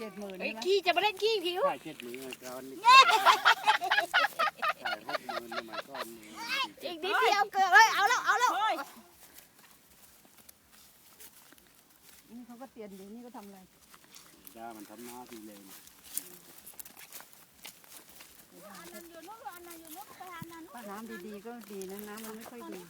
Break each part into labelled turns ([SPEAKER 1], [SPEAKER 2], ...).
[SPEAKER 1] 70,000
[SPEAKER 2] ไอ้
[SPEAKER 1] ใช่ไหม
[SPEAKER 2] ขี้จะมาเล่นขี้ผิว
[SPEAKER 3] ใช่70,000ก่อนนี่ใช่60,000สมัยก่อน
[SPEAKER 2] อีกนิดเดียวเกิดเลยเอาแล้ว
[SPEAKER 1] นี่เขาก็เตียนอยู่นี่ก็ทำอะไร
[SPEAKER 3] ยามันทำหน้าดีเลย
[SPEAKER 1] ถ้าน้ำดีๆก็ดีนะน้ำมันไม่ค่อยดี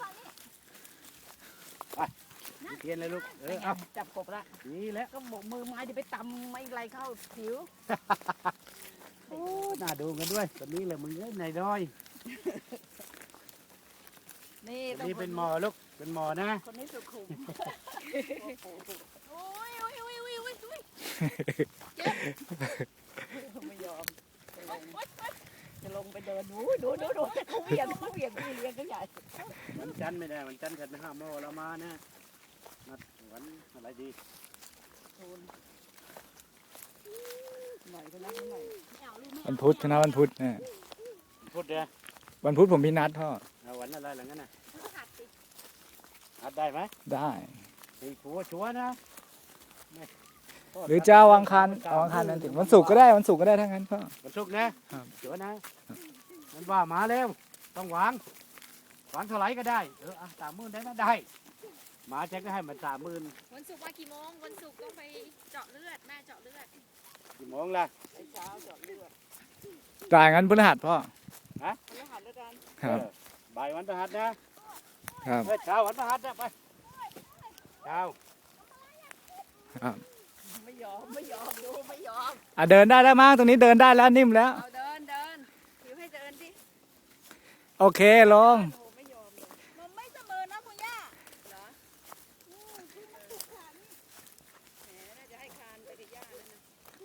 [SPEAKER 3] เทียนเลยลูกเอา
[SPEAKER 1] จับกบละ
[SPEAKER 3] นี่แหละ
[SPEAKER 1] ก็บอกมือไม้จะไปตำไม่ไรเข้าผิว
[SPEAKER 3] โอ้น่าดูกันด้วยตอนนี้เลยมึงเอ้ยนายน้อย
[SPEAKER 1] นี่
[SPEAKER 3] นี่เป็นหมอลูกเป็นหมอนะ
[SPEAKER 1] คนนี้สุขุม
[SPEAKER 2] โอ้ย
[SPEAKER 1] ไม่ยอมจะลงไปเดินดูเขาเวียงพี่เลี้ยงก็ใหญ่
[SPEAKER 3] วันจันทร์ไม่ได้วันจันทร์ฉันไปห้าโมงเรามานะนัดวันอะไรดี
[SPEAKER 1] หน่อยก็นับหน่อย
[SPEAKER 4] วันพุธคณะวันพุธเนี่ย
[SPEAKER 3] พูดเด้อ
[SPEAKER 4] วันพุธผมมีนัดพ่อ
[SPEAKER 3] เอาวันอะไรหลังนั้นน่ะอัดได้ไหม
[SPEAKER 4] ได้
[SPEAKER 3] ไอ้ชัวร์นะ
[SPEAKER 4] หรือจะเอาอังคารนั่นถึงวันศุกร์ก็ได้วันศุกร์ก็ได้ทั้งนั้นพ่อ
[SPEAKER 3] วันศุกร์นะครับ ชัวร์นะมันว่ามาเร็วต้องหวังเท่าไหร่ก็ได้30,000ได้นะได้หมาฉันก็ให้มัน30,000
[SPEAKER 2] วันศุกร์มากี่โมงวันศุกร์ต้องไปเจาะเลือดแม่เจาะเลือด
[SPEAKER 3] กี่โมงล่ะ
[SPEAKER 1] ไอ้เช้าจอดเลือด
[SPEAKER 4] จ่ายงั้นพฤหัสพ่อ
[SPEAKER 1] คนละหันแล้วกัน
[SPEAKER 4] ครับ
[SPEAKER 3] บ่ายวันพฤหัสนะครับ เช้าวันพฤหัสนะไปเช้า
[SPEAKER 4] ครับ
[SPEAKER 1] ไม่ยอมดูไม่ยอม
[SPEAKER 4] เดินได้แล้วมั้งตรงนี้เดินได้แล้วนิ่มแล้ว
[SPEAKER 1] เอาเดินผิวให้เดินดิ
[SPEAKER 4] โอเคลง
[SPEAKER 1] โอ้ไม่ยอมเลย
[SPEAKER 2] มันไม่เสมอนะคุณย่า
[SPEAKER 1] เหรอแหมน่าจะให้คานไปกับย่าแล้วนะ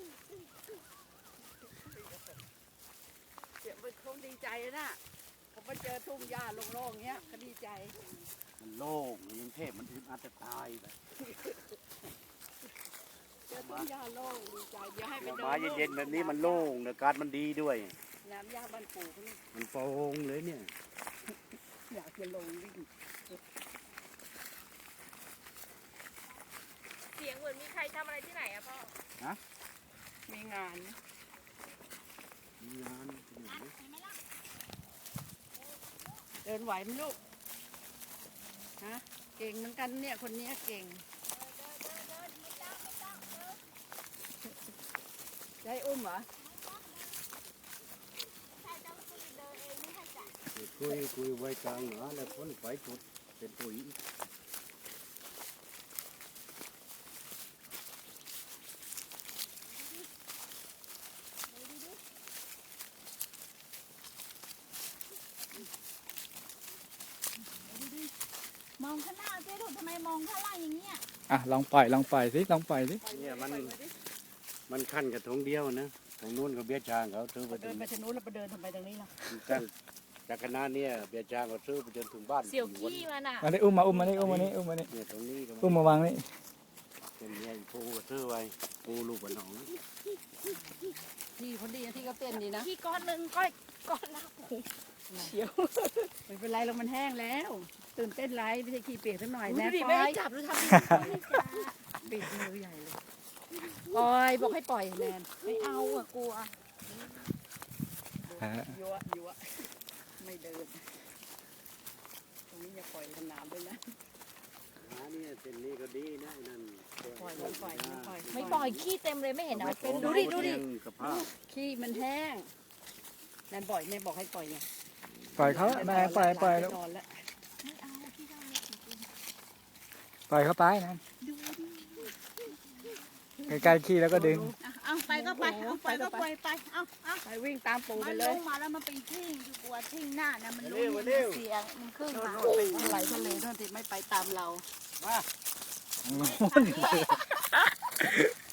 [SPEAKER 1] เดี๋ยวมันคงดีใจนะผมมาเจอทุ่งหญ้าโล่งๆเงี้ยเขาดีใจ
[SPEAKER 3] มันโล่งกรุงเทพมันอึดอัดจะตายแบบ
[SPEAKER 1] เจอทุ่งหญ้าโล่งดีใจเดี๋ยวให้ไปเดิน
[SPEAKER 3] มาเย็นๆแบบนี้มันโล่งอากาศมันดีด้วย
[SPEAKER 1] น้ำหญ้าบ้านปู่เขาเนี่ย
[SPEAKER 3] มันโปร่งเลยเนี่ย
[SPEAKER 1] อยากจะลงวิ่ง
[SPEAKER 2] เสียงเหมือนมีใครทำอะไรที่ไหนอะพ่อ
[SPEAKER 1] มีงานนะ
[SPEAKER 3] มีงานที่ไหน
[SPEAKER 1] เดินไหวไหมลูกฮะเก่งเหมือนกันเนี่ยคนนี้เก่งจะให้อุ้มเหรอ
[SPEAKER 3] คุยไว้กลางหนาแล้วคนไปจุดเป็นปุ๋ย
[SPEAKER 2] มองข้างหน้าเจ๊ถูกทำไมมองข้างล่างอย่างเงี้ย
[SPEAKER 4] ลองปล่อยสิลองปล่อยสิ
[SPEAKER 3] เนี่ยมันขั้นกับทงเดียวนะตรงนู้นก็เบี้ยจางเขาซื้อไป
[SPEAKER 1] เดินไปทางนู้นแล้วไปเดินทำไมตรงนี้ล่ะ
[SPEAKER 3] ตั้งจากคณะเนี่ยเบี้ยจางเขาซื้อไปจนถึงบ้าน
[SPEAKER 2] เสี่ยวขี้มันอะ
[SPEAKER 4] มาได้อุ้มมานี่
[SPEAKER 3] เนี่ยตรงนี้ก็
[SPEAKER 4] อุ้มมาวางนี่
[SPEAKER 3] เป็นเนี่ยปูก็ซื้อไว้ปูลูกบนหนอง
[SPEAKER 1] ที่คนดีนะที่เขาเต้นดีนะ
[SPEAKER 2] ขี้ก้อนหนึ่งก้อนละโอ้โหเฉียว
[SPEAKER 1] ไม่เป็นไรแล้วมันแห้งแล้ว ตื่นเต้นไรไม่ใช่ขี้เปียกสักหน่อย
[SPEAKER 2] ดู
[SPEAKER 1] นะ
[SPEAKER 2] ดิ
[SPEAKER 1] ป
[SPEAKER 2] ไม่
[SPEAKER 1] ล่อ
[SPEAKER 2] ให้
[SPEAKER 1] ย
[SPEAKER 2] จับดูทำดิ
[SPEAKER 1] ปิดมือใหญ่เลยปล่อยบอกให้ปล่อยแนน
[SPEAKER 2] ไม่เอาอะกลัว
[SPEAKER 1] ยั่วไม่เดินตรงนี้อย่าปล่อยสนามด้วยนะ
[SPEAKER 3] เนี่ยเส้นนี้ก็ดีนะนั่น
[SPEAKER 1] ปล่อย
[SPEAKER 2] ไม่ปล่อยขี้เต็มเลยไม่เห็นเหรอ
[SPEAKER 1] เป็น
[SPEAKER 2] ดูดิ
[SPEAKER 3] กระเพาะ
[SPEAKER 1] ขี้มันแห้งแนนบ่อยแนนบอกให้ปล่อยไง
[SPEAKER 4] ปล่อยเขาแม่ปล่อยแล้ว
[SPEAKER 1] นอนแล้ว
[SPEAKER 2] ไม่เอาขี้ก้อนเล็ก
[SPEAKER 4] ปล่อยเขาไปนะใกล้ๆขี้แล้วก็ดึง
[SPEAKER 2] เอาไปก็ไปเอาไปก็ไปเอา
[SPEAKER 1] ไปวิ่งตามปู่ไป
[SPEAKER 2] มัน
[SPEAKER 1] เล
[SPEAKER 2] ล
[SPEAKER 1] ย
[SPEAKER 2] งมาแล้วมันเป็นทิ้งอยู่กลัวทิ้งหน้านะมันรู้มันเสียงมันขึ้นมา
[SPEAKER 1] ไหลทะเลนั่นติไม่ไปตามเรา
[SPEAKER 3] มา
[SPEAKER 4] โน่น